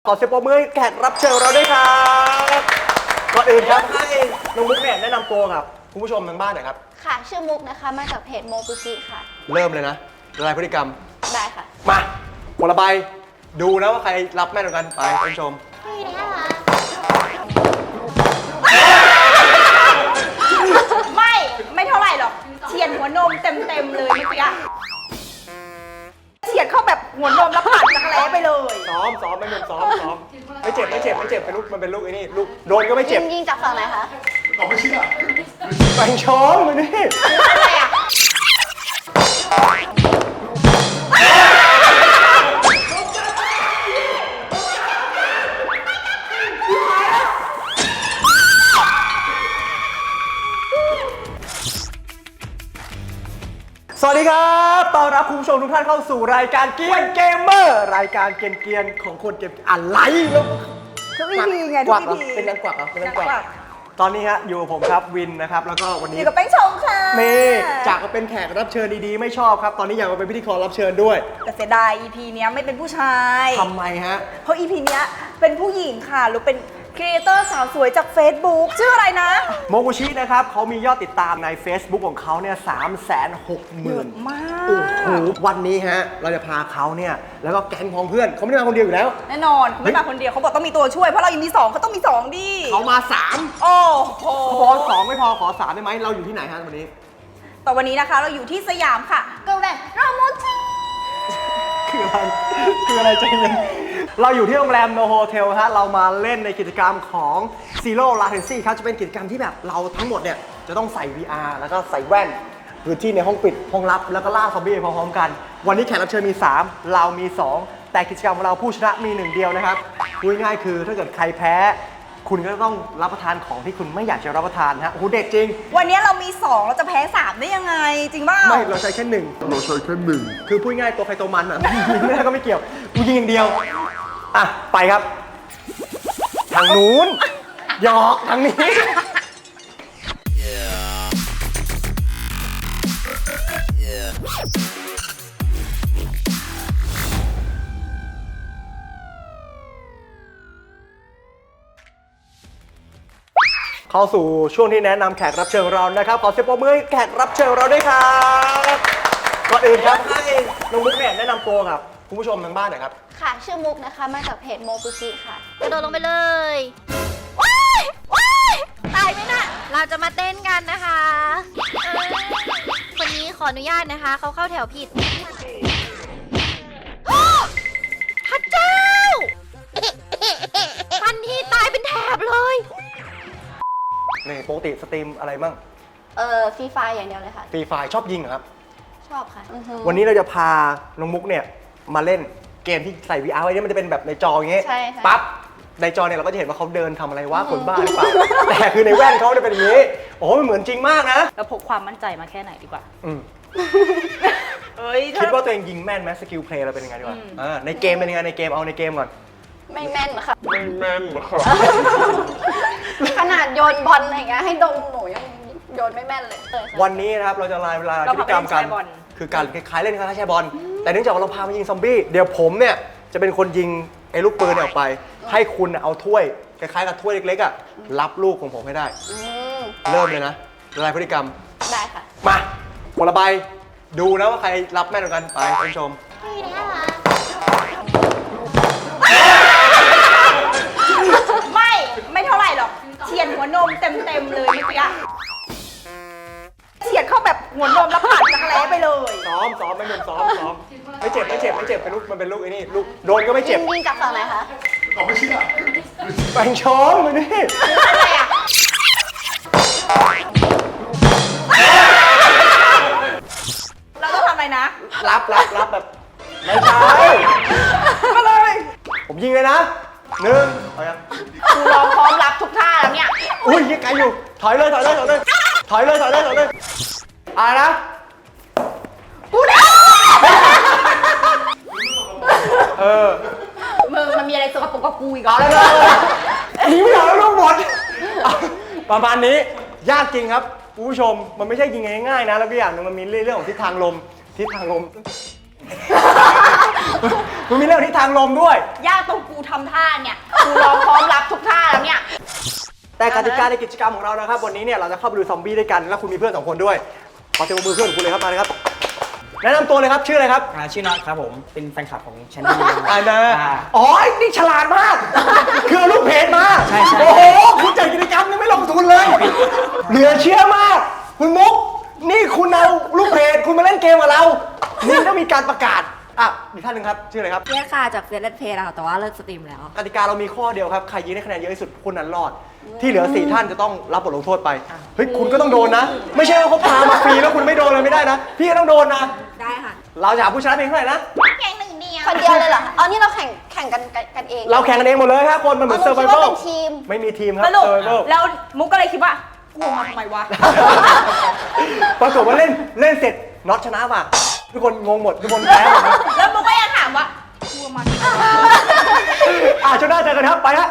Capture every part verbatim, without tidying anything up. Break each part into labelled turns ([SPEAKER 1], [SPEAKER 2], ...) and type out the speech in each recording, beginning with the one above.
[SPEAKER 1] ขอเสียงปรบมือให้แขกรับเชิญเราด้วยครับก่อนอื่นครับให้น้องมุกเนี่ยแนะนำตัวกับคุณผู้ชมทางบ้านหน่อยครับ
[SPEAKER 2] ค่ะชื่อมุกนะคะมาจากเพจโมกุชิค่ะ
[SPEAKER 1] เริ่มเลยนะละลายพฤติกรรม
[SPEAKER 2] ได้ค่ะ
[SPEAKER 1] มาคนละใบดูนะว่าใครรับแม่นกว่ากันไปท่านผู้ชม
[SPEAKER 3] ไม่ไม่เท่าไหร่หรอกเฉียดหัวนมเต็มเต็มเลยเมื่อกี้เฉียดเข้าแบบหัวนมแล้วผ่านจักรแล้ไปเลย
[SPEAKER 1] ซ้อมซ้อมไม่เป็นซ้อมซ้อมไม่เจ็บไม่เจ็บไม่เจ็บเป็นลูกมันเป็นลูกไอ้นี่ลูกโดนก็ไม่เจ็บ
[SPEAKER 2] ยิงจากฝั่งไหนคะ
[SPEAKER 1] ผมไม่เชื่อแบ่งช้อนมาดิ
[SPEAKER 3] อะไรอ่ะ
[SPEAKER 1] สวัสดีครับต้อนรับคุณผู้ชมทุกท่านเข้าสู่รายการเกียนเกมเมอร์รายการเกียนเกียนของคนเกมอะไรแล้ว
[SPEAKER 3] ทุกวิธีไง
[SPEAKER 1] กวัก
[SPEAKER 3] ทุกวิธี
[SPEAKER 1] เป็นยังกวักเหรอเป็นยังกวักตอนนี้ฮะอยู่กับผมครับวินนะครับแล้วก็วันนี้
[SPEAKER 3] อยู่กับแป้งชงค่ะ
[SPEAKER 1] นี่จากมาเป็นแขกรับเชิญดีๆไม่ชอบครับตอนนี้อยากมาเป็นพิธีกรรับเชิญด้วย
[SPEAKER 3] แต่เสียดาย อี พี เนี้ยไม่เป็นผู้ชาย
[SPEAKER 1] ทำไมฮะ
[SPEAKER 3] เพราะ อี พี เนี้ยเป็นผู้หญิงค่ะหรือเป็นครีเอเตอร์สาวสวยจาก Facebook ชื่ออะไรนะ
[SPEAKER 1] โมกุชินะครับเขามียอดติดตามใน Facebook ของเขาเนี่ยสามแสนหกหมื่น
[SPEAKER 3] มาก
[SPEAKER 1] โอ้โหวันนี้ฮะเราจะพาเขาเนี่ยแล้วก็แก๊งของเพื่อนเขาไม่ได้มาคนเดียวอยู่แล้ว
[SPEAKER 3] แน่นอนเขาไม่มาคนเดียวเขาบอกต้องมีตัวช่วยเพราะเรายังมีสองเขาต้องมีสองดิ
[SPEAKER 1] เขามาสาม
[SPEAKER 3] โอ้โห
[SPEAKER 1] เขาบอกสองไม่พอขอสามได้ไหมเราอยู่ที่ไหนฮะวันนี้
[SPEAKER 3] แต่วันนี้นะคะเราอยู่ที่สยามค่ะเกิร์ลแลนด์ราโมจิ
[SPEAKER 1] คืออะไรคืออะไรใจเย็นเราอยู่ที่โรงแรมโนโฮเทลฮะเรามาเล่นในกิจกรรมของ Zero Latency ครับจะเป็นกิจกรรมที่แบบเราทั้งหมดเนี่ยจะต้องใส่ วี อาร์ แล้วก็ใส่แว่นพื้นที่ในห้องปิดห้องลับแล้วก็ล่าซอมบี้พร้อมๆกันวันนี้แขกรับเชิญมีสามเรามีสองแต่กิจกรรมของเราผู้ชนะมีหนึ่งเดียวนะครับพูดง่ายๆคือถ้าเกิดใครแพ้คุณก็ต้องรับประทานของที่คุณไม่อยากจะรับประทานฮะโอ้โหเด็ดจริง
[SPEAKER 3] วันนี้เรามีสองเราจะแพ้สามได้ยังไงจริงป่ะ
[SPEAKER 1] ไม่เราใช้แค่หนึ่งเราใช้แค่หนึ่งคือพูดง่ายตัวใครตัวมันอ่ะไม่ได้ก็ไม่เกี่ยวกูยิงอย่างเดียวอ่ะไปครับทางนู้นหยอกทางนี้เข้าสู่ช่วงที่แนะนำแขกรับเชิญเรานะครับขอเสียงปรบมือให้แขกรับเชิญเราด้วยครับก่อนอื่นครับให้น้องมุกเนี่ยแนะนำตัวกับคุณผู้ชมทางบ้านหน่อยครับ
[SPEAKER 2] ค่ะชื่อมุกนะคะมาจากเพจโมกุชิค่ะกระโดดลงไปเลยว้ายว้ายตายไหมน่ะเราจะมาเต้นกันนะคะคนนี้ขออนุญาตนะคะเขาเข้าแถวผิดพระเจ้าฟันที่ตายเป็นแถบเลย
[SPEAKER 1] นี่ปกติสตรีมอะไรมั่ง
[SPEAKER 2] เออฟรีไฟอย่างเดียวเลยค่ะ
[SPEAKER 1] ฟรีไฟชอบยิงเหรอครับ
[SPEAKER 2] ชอบค่ะ
[SPEAKER 1] วันนี้เราจะพาน้องมุกเนี่ยมาเล่นเกมที่ใส่ วี อาร์ ไว้เนี่ยมันจะเป็นแบบในจออย่างเงี้ยปั๊บในจอเนี่ยเราก็จะเห็นว่าเขาเดินทำอะไรวะคนบ้าหรือเปล่าแต่คือในแว่นเขาเนี่ยเป็นอย่างนี้โอ้มันเหมือนจริงมากนะ
[SPEAKER 3] เราพกความมั่นใจมาแค่ไหนดีกว่า
[SPEAKER 1] อืมคิดว่าตัวเองยิงแม่นไหมสกิลเพลย์เราเป็นยังไงดีกว่าในเกมเป็นยังไงในเกมเอาในเกมก่อน
[SPEAKER 2] ไม่แม่นค่ะ
[SPEAKER 1] ไม่แม่นค่ะ
[SPEAKER 2] ขนาดโยนบอลอะไรเงี้ยให้ดมหนูยังโยนไม่แม่นเลย
[SPEAKER 1] วันนี้นะครับเราจะลายเวลากิจกรรมกันคือการคล้ายๆเล่นคล้ายๆแชร์บอลแต่เนื่องจากเราพามายิงซอมบี้เดี๋ยวผมเนี่ยจะเป็นคนยิงไอ้ลูกปืนออกไปให้คุณเอาถ้วยคล้ายๆกับถ้วยเล็กๆอ่ะรับลูกของผมให้ได้เริ่มเลยนะละลายพฤติกรรม
[SPEAKER 2] ได้ค่ะ
[SPEAKER 1] มาคนละใบดูนะว่าใครรับแม่นกว่ากันไปท่านผู้ชม
[SPEAKER 3] ไม่ไม่เท่าไหร่หรอกเฉียดหัวนมเต็มเต็มเลยเมื่อกี้เฉียดเข้าแบบหัวนมแล้วผ่านจักรแล้ไปเลย
[SPEAKER 1] ซ้อมซ้อมไม่เป็นซ้อมซ้อมไม่เจ็บไม่เจ็บไม่เจ็บเป็นลูกมันเป็นลูกไอ้นี่ลูกโดนก็ไม่เจ็บ
[SPEAKER 2] ยิงจากฝั่งไหนคะ
[SPEAKER 1] ผมไม่เชื่อแบ่งช้อนมาดิ
[SPEAKER 3] อะไรอ่ะเราต้องทำอะไรนะ
[SPEAKER 1] รับรับรับแบบไม่ใช่มาเลยผมยิงเลยนะหนึ่งเอายัง
[SPEAKER 3] กูรอพร้อมรับทุกท่าแล้วเนี่ย
[SPEAKER 1] อุ้ยยังไกลอยู่ถอยเลยถอยเลยถอยเลยถอยเลยถอยเลยถอยเลยอะไรนะ
[SPEAKER 3] กูได้
[SPEAKER 1] เออ
[SPEAKER 3] มึงมันมีอะไรสกปรกกับกูอีกเหรอเลย
[SPEAKER 1] หนีไม่ได้แล้วลูกบอลประมาณนี้ยากจริงครับผู้ชมมันไม่ใช่ยิงง่ายๆนะแล้วก็อย่างนึงมันมีเรื่องของทิศทางลมทิศทางลมมันมีเรื่องทิศทางลมด้วย
[SPEAKER 3] ยากตรงกูทำท่าเนี่ยกูรอพร้อมรับทุกท่าแล้วเนี่ย
[SPEAKER 1] แต่กติกาในกิจกรรมของเรานะครับวันนี้เนี่ยเราจะเข้าไปดูซอมบี้ด้วยกันแล้วคุณมีเพื่อนสองคนด้วยขอเสียงปรบมือเพื่อนของคุณเลยครับมาเลยครับแนะนำตัวเลยครับชื่ออะไรครับ
[SPEAKER 4] อ่าชื่อน็อตครับผมเป็นแฟนคลับของช anel
[SPEAKER 1] อ่านะ
[SPEAKER 4] อ่า
[SPEAKER 1] อ๋อนี่ฉลาดมาก คือเอาลูกเพจมา
[SPEAKER 4] ใช่ใช่
[SPEAKER 1] โอ้โหคุณจัดกิจกรรมนี่ไม่ลงทุนเลย เหลือเชื่อมาก คุณมุก นี่คุณเอาลูกเพจคุณมาเล่นเกมกับเรา นี่ต้องมีการประกาศ อ่ะอีกท่านหนึ่งครับ ชื่ออะไรครับ
[SPEAKER 5] เฟียสค่ะจากเฟียสเลดเพย์ค่ะแต่ว่าเลิกสตรีมแล้ว
[SPEAKER 1] กติกาเรามีข้อเดียวครับ ใครยิงได้คะแนนเยอะที่สุดคนนั้นรอด ที่เหลือสี่ท่านจะต้องรับบทลงโทษไป เฮ้ยคุณก็ต้องโดนนะ ไม่ใช่ว่าเขาพามาฟรีแล้วคุณไม่โดนเลยไม่ได้นะ พี่ก็ต้องโดนนะ
[SPEAKER 5] ได้ค่ะ
[SPEAKER 1] เราจะหาผู้ชนะเพียงเท่าไหร่นะ
[SPEAKER 3] แข่งหนึ่งเดียว
[SPEAKER 2] คนเดียวเลยเหรออ๋อนี่เราแข่งแข่งกันกันกันเอง
[SPEAKER 1] เราแข่งกันเองหมดเลยครับคนมันเหมือน
[SPEAKER 2] อ๋
[SPEAKER 1] เซ
[SPEAKER 2] อ
[SPEAKER 1] อร์ไ
[SPEAKER 2] เรา
[SPEAKER 1] v
[SPEAKER 2] คิด
[SPEAKER 1] i
[SPEAKER 2] ว่า
[SPEAKER 1] v a
[SPEAKER 2] เป็นทีม
[SPEAKER 1] ไม่มีทีมครับ
[SPEAKER 3] สรุป
[SPEAKER 1] survival
[SPEAKER 3] แล้วมุกก็เลยคิดว่ากูมาทำไมวะ
[SPEAKER 1] ปรากฏว่าเล่นเล่นเสร็จน็อตชนะว่ะทุกคนงงหมดทุกคนแพ้หมดนะ
[SPEAKER 3] แล้วมุกก็ยังถามว่ากูมาทำไมวะ
[SPEAKER 1] อ่ะช่วงหน้าเจอกันครับไปฮะ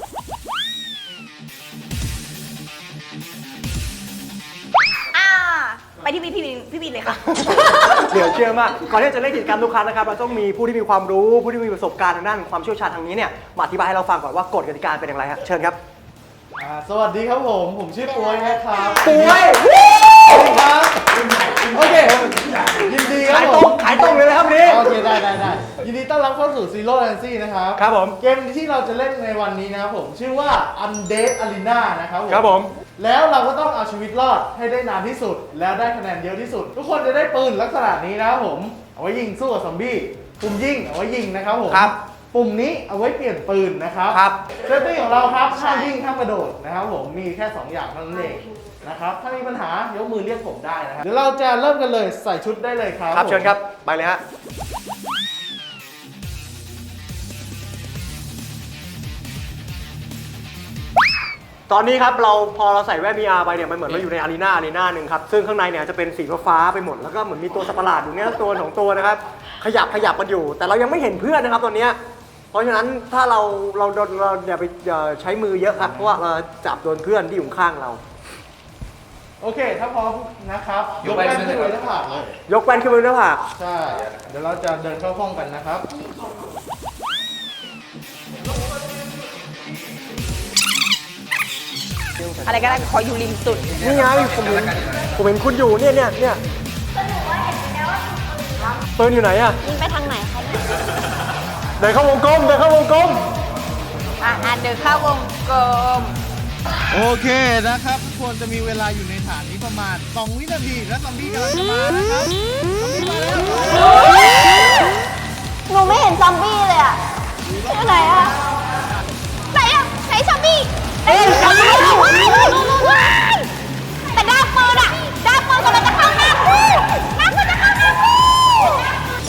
[SPEAKER 3] อ่าไปที่พี่พี่บินพี่บินเลยค่ะ
[SPEAKER 1] เดี๋ยวเชื่อมากก่อนที่จะเล่นกิจกรรมทุกครั้งนะครับเราต้องมีผู้ที่มีความรู้ผู้ที่มีประสบการณ์ทางด้านความเชี่ยวชาญทางนี้เนี่ยมาอธิบายให้เราฟังก่อนว่ากฎกติกาเป็นอย่างไรฮะเชิญครับ
[SPEAKER 6] อ่าสวัสดีครับผม ผมชื่อป่วยนะครับ
[SPEAKER 1] ป่วย
[SPEAKER 6] สวัสดีครับโอเคยินดีครั
[SPEAKER 1] ขาย
[SPEAKER 6] บ
[SPEAKER 1] ต
[SPEAKER 6] ผ
[SPEAKER 1] รง
[SPEAKER 6] ม
[SPEAKER 1] ขายตรงเลยนะครับนี่
[SPEAKER 6] โอเคได้ได้ได้ยินดีต้อนรับเข้าสู่ Zero Latency นะครับ
[SPEAKER 1] ครับผม
[SPEAKER 6] เกมที่เราจะเล่นในวันนี้นะครับผมชื่อว่า Undead Arena นะครับผม
[SPEAKER 1] ครับผม
[SPEAKER 6] แล้วเราก็ต้องเอาชีวิตรอดให้ได้นานที่สุด แล้วได้คะแนนเยอะที่สุด ทุกคนจะได้ปืนลักษณะนี้นะครับผมเอาไว้ยิงสู้กับซอมบี้ปุ่มยิงเอาไว้ยิงนะครับผม
[SPEAKER 1] ครับ
[SPEAKER 6] ปุ่มนี้เอาไว้เปลี่ยนปืนนะครับ
[SPEAKER 1] ครับ
[SPEAKER 6] เซฟตี้ของเราครับห้ามวิ่งห้ามกระโดดนะครับผมมีแค่สองอย่างเท่านั้นเองนะครับถ้ามีปัญหายกมือเรียกผมได้นะครับเดี๋ยวเราจะเริ่มกันเลยใส่ชุดได้เลยครับ
[SPEAKER 1] ครับ
[SPEAKER 6] ผม
[SPEAKER 1] เชิญครับไปเลยฮะตอนนี้ครับเราพอเราใส่แว่น วี อาร์ ไปเนี่ยมันเหมือนเราอยู่ในอารีนาอารีนาหนึ่งครับซึ่งข้างในเนี่ยจะเป็นสีฟ้าๆไปหมดแล้วก็เหมือนมีตัวสัตว์ประหลาดอยู่เนี่ยตัวสองตัวนะครับขยับขยับกันอยู่ แต่เรายังไม่เห็นเพื่อนนะครับตอนเนี้ยเพราะฉะนั้นถ้าเราเราเราเราอย่าไปอย่าใช้มือเยอะครับเพราะว่าเราจับโดนเพื่อนที่อยู่ข้างเรา
[SPEAKER 6] โอเคถ้าพร้อมนะครับยกแว่นขึ้นไปหน้าผากเลย
[SPEAKER 1] ยกแว่นขึ้นไปบนหน้าผาก
[SPEAKER 6] ใช่เดี๋ยวเราจะเดินเข้าห้องกันนะครับ
[SPEAKER 3] อะไรก็ได้ขออยู่ริมสุด
[SPEAKER 1] นี่ไงผมเห็นผมเห็นคุณอยู่เนี่ยเนี่ยเนี่ยปืนอยู่ไหนอะ
[SPEAKER 2] ยิงไปทางไหนคะเนี่ย
[SPEAKER 1] เดินเข้าวงกลมเดินเข้าวงกลม
[SPEAKER 3] อ่ะอ่ะเดินเข้าวงกลม
[SPEAKER 6] โอเคนะครับทุกคนจะมีเวลาอยู่ในฐานนี้ประมาณสองวินาทีและซอมบี้กำลังจะมานะครับซอมบี้มาแล้ว
[SPEAKER 2] หนูไม่เห็นซอมบี้เลยอ่ะที่ไหนอ่ะไหนอ่ะไหนซอมบี้เอ้ยซอมบี้ว้ายแต่ด้ามปืนอ่ะด้ามปืนกำลังจะเข้าหน้ากูด้ามปืนจะเข้าหน้ากู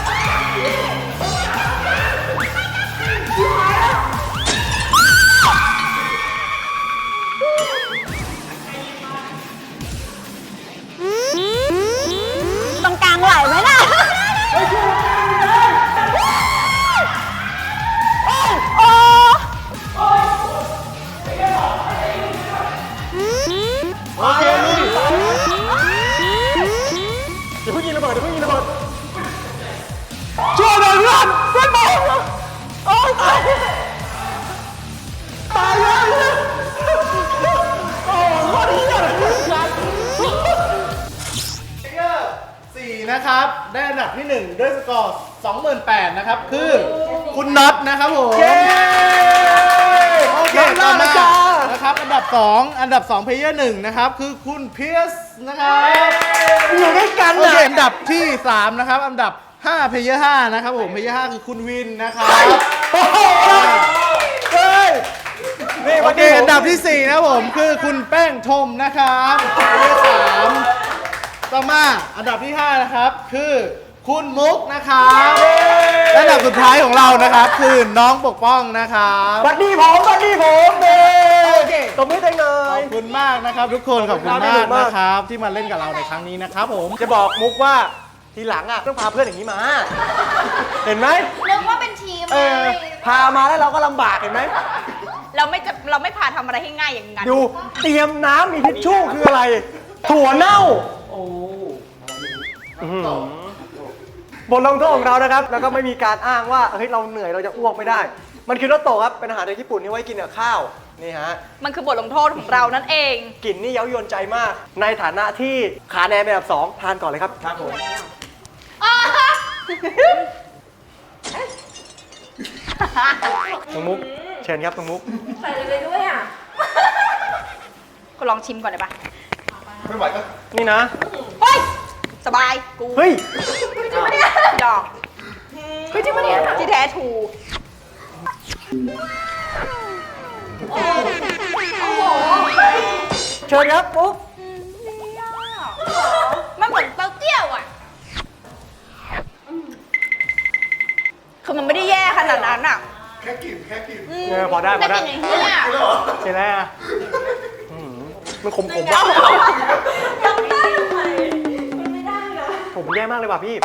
[SPEAKER 2] ตรงกลางไหวไหมล่ะ โอ้
[SPEAKER 1] โอเคลุยเดี๋ยวเพิ่งยิงระเบิดเดี๋ยวเพิ่งยิงระเบิดช่วยหน่อยเพื่อนเพื่อนบอกโอ้ยตายตายแล้วโอ้โหดีจัง
[SPEAKER 6] เกอร์สี่นะครับได้อันดับที่หนึ่งด้วยสกอร์ สองหมื่นแปดพัน นะครับคือคุณน็อตนะครับผม
[SPEAKER 1] เย้
[SPEAKER 6] โอเค
[SPEAKER 1] น้
[SPEAKER 6] ต่อ
[SPEAKER 1] องน็อต
[SPEAKER 6] มา
[SPEAKER 1] นะจ๊ะ
[SPEAKER 6] นะครับอันดับสองอันดับสองเพลเยอร์หนึ่งนะครับคือคุณเพียสนะครับ
[SPEAKER 1] อยู่ด้วยกัน
[SPEAKER 6] โอ
[SPEAKER 1] นะ
[SPEAKER 6] เคอันดับที่สามนะครับอันดับห้าเพลเยอร์ห้านะครับผมเพลเยอร์ห้าคือคุณวินนะครับ
[SPEAKER 1] โอ้โหเฮ้ยนี่
[SPEAKER 6] โอ
[SPEAKER 1] วัน
[SPEAKER 6] เค
[SPEAKER 1] นี้
[SPEAKER 6] อันดับที่สี่นะครับผมคือคุณแป้งทมนะครับเพลเยอร์สามต่อมาอันดับที่ห้านะครับคือคุณมุกนะครับและอันดับสุดท้ายของเรานะครับคือน้องปกป้องนะครับ
[SPEAKER 1] บัดดี้ผมบัดดี้ผมเด้โอเคตบมือเต็งเล
[SPEAKER 6] ขอย บคุณมากนะครับทุกคนขอบคุณ
[SPEAKER 1] ขอบคุณ
[SPEAKER 6] มาก
[SPEAKER 1] มาก
[SPEAKER 6] นะครับที่มาเล่นกับเราในครั้งนี้นะครับผม
[SPEAKER 1] จะบอกมุกว่าทีหลังอ่ะต้องพาเพื่อนอย่างนี้มา เห็นไหม
[SPEAKER 2] นึกว่าเป็นทีม
[SPEAKER 1] เออ
[SPEAKER 2] เลย
[SPEAKER 1] พามาแล้วเราก็ลำบากเห็นไหม
[SPEAKER 3] เราไม่จะเราไม่พาทำอะไรให้ง่ายอย่างนั้น
[SPEAKER 1] ดูเตรียมน้ำมีทิชชู่คืออะไร ถั่วเน่า โอ้บทลงโทษของเรานะครับ แล้วก็ไม่มีการอ้างว่าเฮ้ยเราเหนื่อยเราจะอ้วกไม่ได้ มันคือโรโตะครับเป็นอาหารในญี่ปุ่นที่ไว้กินกับข้าวนี่ฮะ
[SPEAKER 3] มันคือบทลงโทษของเรานั่นเอง
[SPEAKER 1] กลิ่นนี่เย้ายวนใจมาก ในฐานะที่ขาแนนเป็นอันดับสองทานก่อนเลยครับครับผม น้องมุกเชิญครับน้องมุก
[SPEAKER 5] ใส่เลยไปด้วยอ่ะ
[SPEAKER 3] ก็ลองชิมก่อนได้ปะ
[SPEAKER 6] ไม่ไหวก็
[SPEAKER 1] นี่นะ
[SPEAKER 3] เฮ้ย สบาย กู
[SPEAKER 1] เฮ้ย
[SPEAKER 3] จริงปะเนี่ยดอกเฮ้ยจริงปะเนี่ยที่แท้ถูก
[SPEAKER 1] เชิญครับมุก
[SPEAKER 3] มันเหมือนเต้าเจี้ยวอ่ะ คือมันไม่ได้แย่ขนาดนั้นอ่ะ
[SPEAKER 6] แค่กลิ่นแค่กลิ่น
[SPEAKER 1] เออพอได้พอได้
[SPEAKER 3] แต่กลิ่นอย่างนี้เนี่ย
[SPEAKER 1] เห็นแล้วอ่ะอื้อหือมันขมๆว่ะผมแย่มากเลยว่ะพี่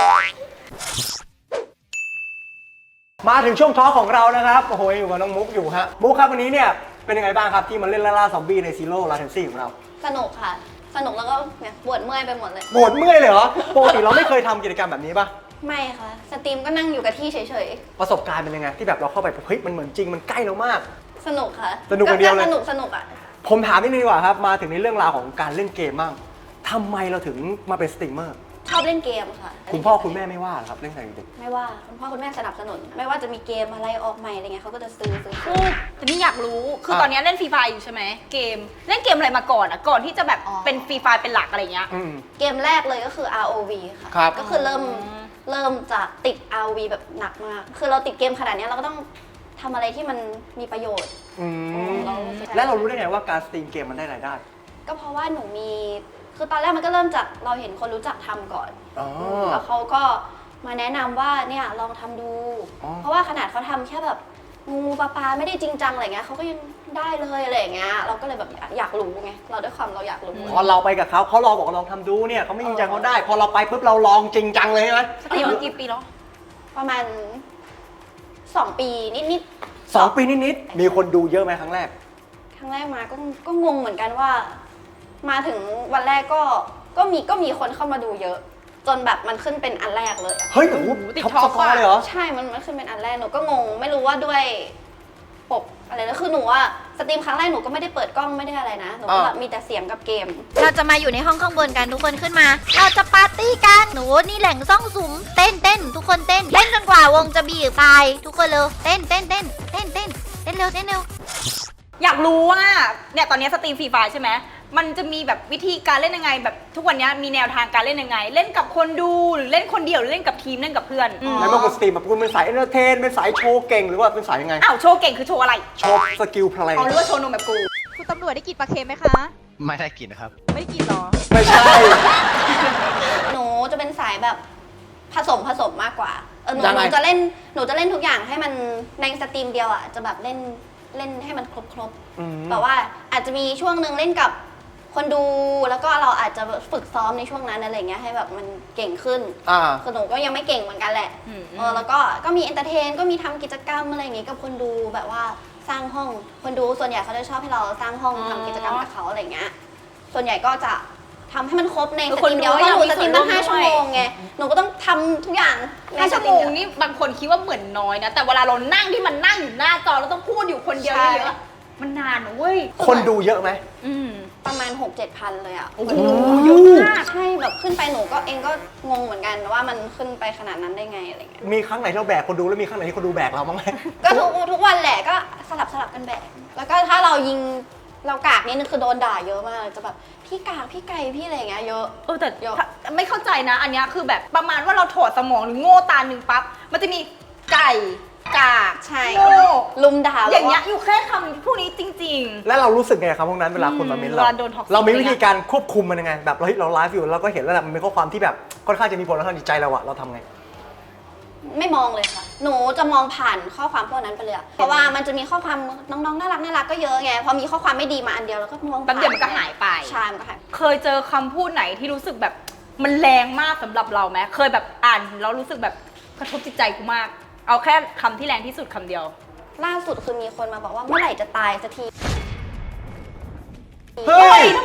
[SPEAKER 1] มาถึงช่วงท้อของเรานะครับ โอ้โหอยู่กับน้องมุกอยู่ฮะ มุกครับวันนี้เนี่ยเป็นยังไงบ้างครับที่มาเล่นล่าล่าซอมบี้ในซีโร่ลาเทนซี่ของเรา
[SPEAKER 2] สนุกค่ะ สนุกแล้วก็เนี่ยปวดเมื่อยไปหมดเลย
[SPEAKER 1] ปวดเมื่อยเลยเหรอ ปกติเราไม่เคยทำกิจกรรมแบบนี้ป่ะ
[SPEAKER 2] ไม่ค่ะ สตรีมก็นั่งอยู่กับที่เฉย
[SPEAKER 1] ประสบการณ์เป็นยังไงที่แบบเราเข้าไปแบบเฮ้ยมันเหมือนจริงมันใกล้เรามาก
[SPEAKER 2] ๆ สนุกค่ะ
[SPEAKER 1] สนุกคนเดียวเลย
[SPEAKER 2] สนุกสนุกอ่ะ
[SPEAKER 1] ผมถามนิดนึงดีกว่าครับ มาถึงในเรื่องราวของการเล่นเกมบ้างทำไมเราถึงมาเป็นสตรีมเมอร์
[SPEAKER 2] ชอบเล่นเกมค่ะ
[SPEAKER 1] คุณพ่อคุณแม่ไม่ว่าเหรอครับเล่นแต่เด็ก
[SPEAKER 2] ไม่ว่าคุณพ่อคุณแม่สนับสนุน ไม่ว่าจะมีเกมอะไรออกใหม่อะไรเงี้ยเขาก็จะซื้อซื้อ
[SPEAKER 3] คือแต่นี่อยากรู้ คือตอนนี้เล่นฟรีไฟอยู่ใช่ไหม เกม เล่นเกมอะไรมาก่อนอ่ะ ก่อนที่จะแบบเป็นฟรีไฟเป็นหลักอะไรเงี้ย
[SPEAKER 1] อืม
[SPEAKER 2] เกมแรกเลยก็คือ อาร์ โอ วี ค่ะ
[SPEAKER 1] ครับ
[SPEAKER 2] ก็คือเริ่มเริ่มจากติด อาร์ โอ วี แบบหนักมาก คือเราติดเกมขนาดเนี้ยเราก็ต้องทำอะไรที่มันมีประโยชน์
[SPEAKER 1] อืม
[SPEAKER 2] เรารู้สึก
[SPEAKER 1] แล้วเรารู้ได้ไงว่าการสตรีมเกมมันได้รายได้
[SPEAKER 2] ก็เพราะว่าหนูมี คือตอนแรกมันก็เริ่มจากเราเห็นคนรู้จักทำก่อน
[SPEAKER 1] อ๋อ
[SPEAKER 2] แล้วเขาก็มาแนะนำว่าเนี่ยลองทำดู
[SPEAKER 1] อ๋อ
[SPEAKER 2] เพราะว่าขนาดเขาทำแค่แบบงูปลาปลาไม่ได้จริงจังอะไรเงี้ยเขาก็ยังได้เลยอะไรอย่างเงี้ย เราก็เลยแบบอยากรู้ไง เราด้วยความเราอยากรู้
[SPEAKER 1] พอเราไปกับเขาเขาลองบอกว่าลองทำดูเนี่ยเขาไม่จริงจังเขาได้ พอเราไปปุ๊บเราลองจริงจังเลยใช่ไหม
[SPEAKER 3] สตรีมมากี่ปีแล้ว
[SPEAKER 2] ประมาณสองปีนิด
[SPEAKER 1] สองปีนิดๆมีคนดูเยอะไหมครั้งแรก
[SPEAKER 2] ๆครั้งแรกมาก็ก็งงเหมือนกันว่า มาถึงวันแรกก็ก็มีก็มีคนเข้ามาดูเยอะ จนแบบมันขึ้นเป็นอันแรกเลยอะ
[SPEAKER 1] เฮ้ยโอ้โห
[SPEAKER 3] ติด
[SPEAKER 1] ท็อป
[SPEAKER 3] ท็อ
[SPEAKER 1] ส
[SPEAKER 3] ป
[SPEAKER 1] กอร์
[SPEAKER 3] อะ
[SPEAKER 1] เลยเหรอ
[SPEAKER 2] ใช่ มันมันขึ้นเป็นอันแรก หนูก็งง ไม่รู้ว่าด้วยปกอะไรแล้วคือหนูว่าสตรีมครั้งแรกหนูก็ไม่ได้เปิดกล้องไม่ได้อะไรนะ หนูก็แบบ
[SPEAKER 1] อ่ามี
[SPEAKER 2] มีแต่เสียงกับเกม
[SPEAKER 7] เราจะมาอยู่ในห้องข้างบนกันทุกคนขึ้นมา เราจะปาร์ตี้กัน หนูนี่แหล่งซ่องสุม เต้นเต้นทุกคนเต้น เล่นจนกว่าวงจะบีบไปทุกคนเร็ว เต้นเต้นเต้นเต้นเต้นเต้นเร็วเต้นเร็ว
[SPEAKER 3] อยากรู้ว่า เนี่ยตอนนี้สตรีมฟรีไฟใช่ไหม มันจะมีแบบวิธีการเล่นยังไง แบบทุกวันนี้มีแนวทางการเล่นยังไง เล่นกับคนดูหรือเล่นคนเดียวหรือเล่นกับทีมเล่นกับเพื่อนอืม
[SPEAKER 1] แล้วบางคนสตรีมแบบคุณเป็นสายเอนเตอร์เทนเป็นสายโชว์เก่งหรือว่าเป็นสายยังไง
[SPEAKER 3] อ้าวโชว์เก่งคือโชว์อะไร
[SPEAKER 1] โชว์สกิลเพลง
[SPEAKER 3] อ๋อหรือว่าโชว์นมแบบกู
[SPEAKER 8] คุณตำรวจได้กลิ่นปลาเค็มไหมคะ
[SPEAKER 9] ไม่ได้กลิ่นนะครับ
[SPEAKER 8] ไม่ได้กลิ่นหรอ
[SPEAKER 1] ไม่ใช่
[SPEAKER 2] หนูจะเป็นสายแบบผสมผสมมากกว่า เออหนู
[SPEAKER 1] ยัง
[SPEAKER 2] ห
[SPEAKER 1] ไง
[SPEAKER 2] นูจะเล่น หนูจะเล่นทุกอย่างให้มันในสตรีมเดียวอ่ะ จะแบบเล่นเล่นให้มันครบครบๆ
[SPEAKER 1] อืม
[SPEAKER 2] แบบว่าอาจจะมีช่วงหนึ่งเล่นกับคนดู แล้วก็เราอาจจะฝึกซ้อมในช่วงนั้นอะไรเงี้ยให้แบบมันเก่งขึ้น
[SPEAKER 1] อ่า
[SPEAKER 2] คือหนูก็ยังไม่เก่งเหมือนกันแหละ
[SPEAKER 3] อืม
[SPEAKER 2] เออแล้วก็ก็มีเอนเตอร์เทนก็มีทำกิจกรรมอะไรอย่างงี้กับคนดูแบบว่าสร้างห้อง คนดูส่วนใหญ่เขาจะชอบให้เราสร้างห้อง
[SPEAKER 3] อ๋อ
[SPEAKER 2] ทำกิจกรรมกับเขาอะไรเงี้ย ส่วนใหญ่ก็จะทำให้มันครบใน
[SPEAKER 3] คือ
[SPEAKER 2] ส
[SPEAKER 3] คน
[SPEAKER 2] ตรีม
[SPEAKER 3] ดู
[SPEAKER 2] เดียว
[SPEAKER 3] ก็
[SPEAKER 2] เพราะหนู
[SPEAKER 3] อยากมี
[SPEAKER 2] สตรีมตั้ง
[SPEAKER 3] ส่วนร่วม
[SPEAKER 2] ห้าชั่ว
[SPEAKER 3] ด้วย
[SPEAKER 2] โมงไง หนูก็ต้องทำทุกอย่างใน
[SPEAKER 3] ห้า
[SPEAKER 2] ส
[SPEAKER 3] ชั่ว
[SPEAKER 2] ตรี
[SPEAKER 3] โม
[SPEAKER 2] ม
[SPEAKER 3] ง
[SPEAKER 2] เดียว
[SPEAKER 3] นี่บางคนคิดว่าเหมือนน้อยนะ แต่เวลาเรานั่งที่มันนั่งอยู่หน้าจอแล้วต้องพูดอยู่คนเดียว
[SPEAKER 2] ใช่
[SPEAKER 3] เยอะๆมันนานนะเว้ย
[SPEAKER 1] คนดูเยอะไหม
[SPEAKER 3] อืม
[SPEAKER 2] ประมาณ หกเจ็ดพันเลยอ่ะ
[SPEAKER 3] โอ้โหเยอะมาก
[SPEAKER 2] ใช่แบบขึ้นไปหนูก็เองก็งงเหมือนกันว่ามันขึ้นไปขนาดนั้นได้ไงอะไรเงี้ย
[SPEAKER 1] มีครั้งไหนที่เราแบกคนดูแล้วมีครั้งไหนที่คนดูแบกเราบ้างไหม
[SPEAKER 2] ก็ทุกทุกวันแหละก็สลับสลับกันแบกแล้วก็ถ้าเรายิงเรากากนี่นึงคือโดนด่าเยอะมากจะแบบพี่กากพี่ไก่พี่อะไรอย่างเงี้ยเยอะ
[SPEAKER 3] เออแต่
[SPEAKER 2] เยอะ
[SPEAKER 3] ไม่เข้าใจนะ อันเนี้ยคือแบบประมาณว่าเราถอดสมองหรือโง่ตาหนึ่งปั๊บ มันจะมีไก่กาก
[SPEAKER 2] ใช่
[SPEAKER 3] โง่
[SPEAKER 2] ลุมด่า
[SPEAKER 3] อย่างเงี้ย
[SPEAKER 2] แบบว่
[SPEAKER 3] อยู่แค่คำพวกนี้จริง
[SPEAKER 1] แล้วเรารู้สึกไงครับพวกนั้นเวลาคนมาเม้น
[SPEAKER 3] เว
[SPEAKER 1] เรา
[SPEAKER 3] ลาโดน toxic
[SPEAKER 1] เรามีวิธีการควบคุมมันยังไง แบบเราเฮ้ยเราไลฟ์อยู่เราก็เห็นแล้วแหละมันเป็นข้อความที่แบบค่อนข้างจะมีผลต่อทางจิตใจเราอะเราทำไง
[SPEAKER 2] ไม่มองเลยค่ะ หนูจะมองผ่านข้อความพวกนั้นไปเลยอะเพราะว่ามันจะมีข้อความน้องๆน่ารักน่ารักก็เยอะไงพอมีข้อความไม่ดีมาอันเดียวแล้วก็มอง
[SPEAKER 3] ๆแป๊บเดียวมันก็หายไป
[SPEAKER 2] ใช่มันก็หาย
[SPEAKER 3] เคยเจอคำพูดไหนที่รู้สึกแบบมันแรงมากสำหรับเราไหมเคยแบบอ่านแล้วรู้สึกแบบกระทบจิตใจกูมาก เอาแค่คำที่แรงที่สุดคำเดียว
[SPEAKER 2] ล่าสุดคือมีคนมาบอกว่าเมื่อไหร่จะตายสักที
[SPEAKER 1] เฮ้ย
[SPEAKER 3] ทำไมแรงข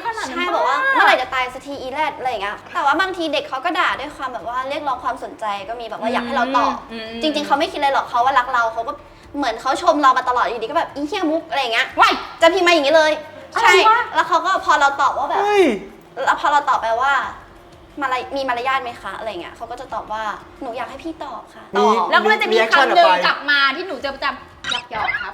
[SPEAKER 3] นาดนั้น
[SPEAKER 2] ใช่บอกว่าเมื่อไหร่จะตายสักทีอีแรดอะไรอย่างเงี้ยแต่ว่าบางทีเด็กเขาก็ด่าด้วยความแบบว่าเรียกร้องความสนใจก็มีแบบว่าอยากให้เราตอบจริง ๆเขาไม่คิดอะไรหรอกเขาว่ารักเราเขาก็เหมือนเขาชมเรามาตลอดอยู่ดีก็แบบอีเหี้ยมุกอะไรอย่างเงี้ยว้ายจะพิมพ์มาอย่างนี้เลยใช่แล้วเขาก็พอเราตอบว่าแบบ
[SPEAKER 1] เฮ้ย
[SPEAKER 2] แล้วพอเราตอบไปว่ามาลายมีมารยาทไหมคะอะไรเงี้ยเขาก็จะตอบว่าหนูอยากให้พี่ตอบค่ะตอบ
[SPEAKER 3] แล้วก็จะมี
[SPEAKER 1] reaction
[SPEAKER 3] คำหนึ่ง
[SPEAKER 1] ออกไป
[SPEAKER 3] กลับมาที่หนูจะประจำหยอกหยอกครับ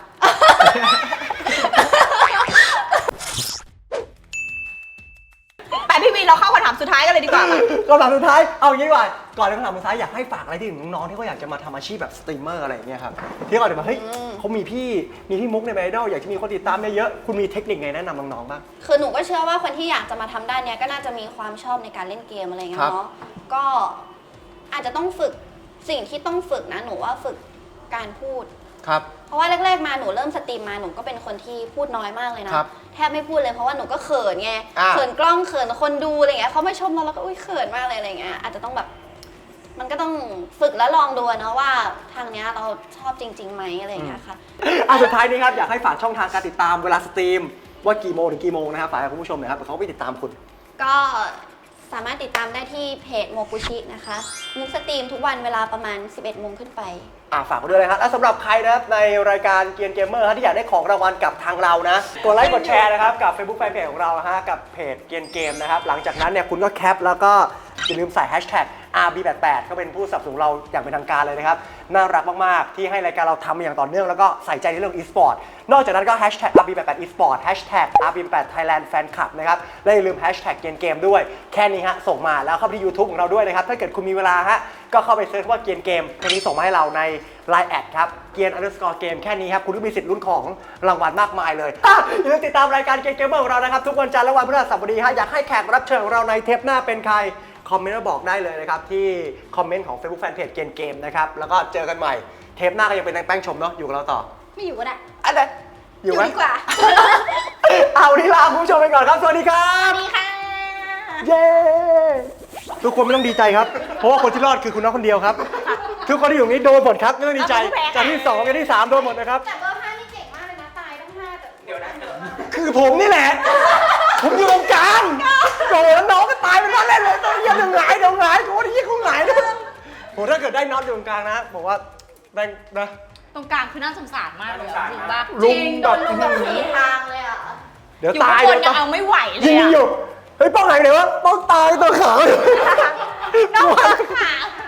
[SPEAKER 3] ไปพี่วีเราเข้าคำถามสุดท้ายกันเลยดีกว่าค่ะ
[SPEAKER 1] คำถามสุดท้าย เอาอย่างนี้ดีกว่า ก่อนเลยคำถามสุดท้ายอยากให้ฝากอะไรที่ถึงน้องๆที่เขาอยากจะมาทำอาชีพแบบสตรีมเมอร์อะไรอย่างเงี้ยครับ ที่เขาจะมาเฮ้ยเขามีพี่ มีพี่มุกในไอดอลอยากจะมีคนติดตามเยอะๆคุณมีเทคนิคไงแนะนำน้องๆบ้าง
[SPEAKER 2] คือหนูก็เชื่อว่าคนที่อยากจะมาทำด้านเนี้ยก็น่าจะมีความชอบในการเล่นเกมอะไรเงี้
[SPEAKER 1] ครั
[SPEAKER 2] ย
[SPEAKER 1] บ
[SPEAKER 2] เนาะก็อาจจะต้องฝึกสิ่งที่ต้องฝึกนะหนูว่าฝึกการพูด
[SPEAKER 1] ครับ
[SPEAKER 2] เพราะว่าแรกๆมาหนูเริ่มสตรีมมาหนูก็เป็นคนที่พูดน้อยมากเลยนะครับ แทบไม่พูดเลยเพราะว่าหนูก็เขินไง
[SPEAKER 1] อ่า
[SPEAKER 2] เขินกล้องเขินคนดูอะไรเงี้ยเขามาชมเราแล้วก็อุ้ยเขินมากเลยอะไรเงี้ยอาจจะต้องแบบ มันก็ต้องฝึกแล้วลองดูนะว่าทางเนี้ยเราชอบจริงๆไหมอะไรเงี้ยค่ะ
[SPEAKER 1] อ่ะสุดท้ายนี้ครับอยากให้ฝากช่องทางการติดตามเวลาสตรีมว่ากี่โมงถึงกี่โมงนะครับฝากให้คุณผู้ชมหน่อยครับเดี๋ยวเขาไปติดตามคุณ
[SPEAKER 2] ก็สามารถติดตามได้ที่เพจโมกุชินะคะมุกสตรีมทุกวันเวลาประมาณ สิบเอ็ดโมงขึ้นไป
[SPEAKER 1] อ่าฝากไว้ด้วยนะครับและสำหรับใครนะครับในรายการเกียนเกมเมอร์ที่อยากได้ของรางวัลกับทางเรานะกดไลค์กดแชร์นะครับกับ Facebook Fanpage ของเรานะฮะกับเพจเกียนเกมนะครับหลังจากนั้นเนี่ยคุณก็แคปแล้วก็อย่าลืมใส่ แฮชแท็ก อาร์ บี แปดสิบแปด ก็เป็นผู้สนับสนุนเราอย่างเป็นทางการเลยนะครับน่ารักมากๆที่ให้รายการเราทำมาอย่างต่อเนื่องแล้วก็ใส่ใจในเรื่อง e-sport นอกจากนั้นก็ แฮชแท็ก อาร์ บี แปดสิบแปด e-sport แฮชแท็ก อาร์ บี แปดสิบแปด Thailand Fan Club นะครับและอย่าลืม แฮชแท็ก เกียนเกมด้วยแค่นี้ฮะส่งมาแล้วเข้าไปที่ YouTube ของเราด้วยนะครับถ้าเกิดคุณมีเวลาฮะก็เข้าไปเซิร์ชว่าเกียนเกมเพลงนี้ส่งมาให้เราใน ไลน์ แอดครับเกียน underscore เกมแค่นี้ครับคุณก็มีสิทธิ์ลุ้นของรางวัลมากมายเลยอ่ะอย่าลืมติดตามรายการเกมเกมเมอร์ของเรานะครับทุกวันจันทร์และวันพฤหัสบดีฮะอยากให้แขกรับเชิญของเราในเทปหน้าเป็นใครคอมเมนต์มาบอกได้เลยนะครับที่คอมเมนต์ของ Facebook Fanpage เกมเกมนะครับแล้วก็เจอกันใหม่เทปหน้าก็ยังเป็นนางแป้งชมเนาะอยู่กับเราต่อ
[SPEAKER 3] ไม่อยู่ก็ได้
[SPEAKER 1] อันไหนอยู่ไหม
[SPEAKER 3] ดีกว่า
[SPEAKER 1] เอาวันนี้ลาคุณผู้ชมไปก่อนครับสวัสดีครับ
[SPEAKER 3] สวัสดีค่ะ
[SPEAKER 1] เย้ทุกคนไม่ต้องดีใจครับเพราะว่าคนที่รอดคือคุณน้องคนเดียวครับทุกคนที่อยู่นี้โดนหมดครับไม่ต้องดีใจจากที่สองจากที่สามโดนหมดนะครับ
[SPEAKER 2] แต่เบอร์ห้านี่เก่งมากเลยนะตายต้องห้าแต่เดี๋ยวนะ
[SPEAKER 1] คือผมนี่แหละ ผมอยู่ตรงกลางโอ้โหแล้วน้องก็ตายเป็นว่าเล่นเลยต้องเยี่ยมเดี๋ยวหงายเดี๋ยวหงายโอ้ยที่เขาหงายนะโหถ้าเกิดได้น็อตอยู่ตรงกลางนะบอกว่าได้นะ
[SPEAKER 3] ตรงกลางคือน่าสงสารมากเลยจริงป่ะ
[SPEAKER 1] ลุง
[SPEAKER 3] โดนลุงแบบ
[SPEAKER 2] สี่
[SPEAKER 3] นี้
[SPEAKER 2] ทางเลยอ่ะ
[SPEAKER 1] เดี๋ยว
[SPEAKER 3] อยู่
[SPEAKER 1] ตา
[SPEAKER 3] ข้าย งบ
[SPEAKER 1] เดี๋
[SPEAKER 3] น
[SPEAKER 1] ยว
[SPEAKER 3] ยัง
[SPEAKER 1] ตาย
[SPEAKER 3] เอาไม่ไหวเล
[SPEAKER 1] ยิ
[SPEAKER 3] ย
[SPEAKER 1] ง
[SPEAKER 3] อะ
[SPEAKER 1] อยู่เฮ้ยป้องหายไหนวะป้องตายตัวขาว
[SPEAKER 3] น้องขา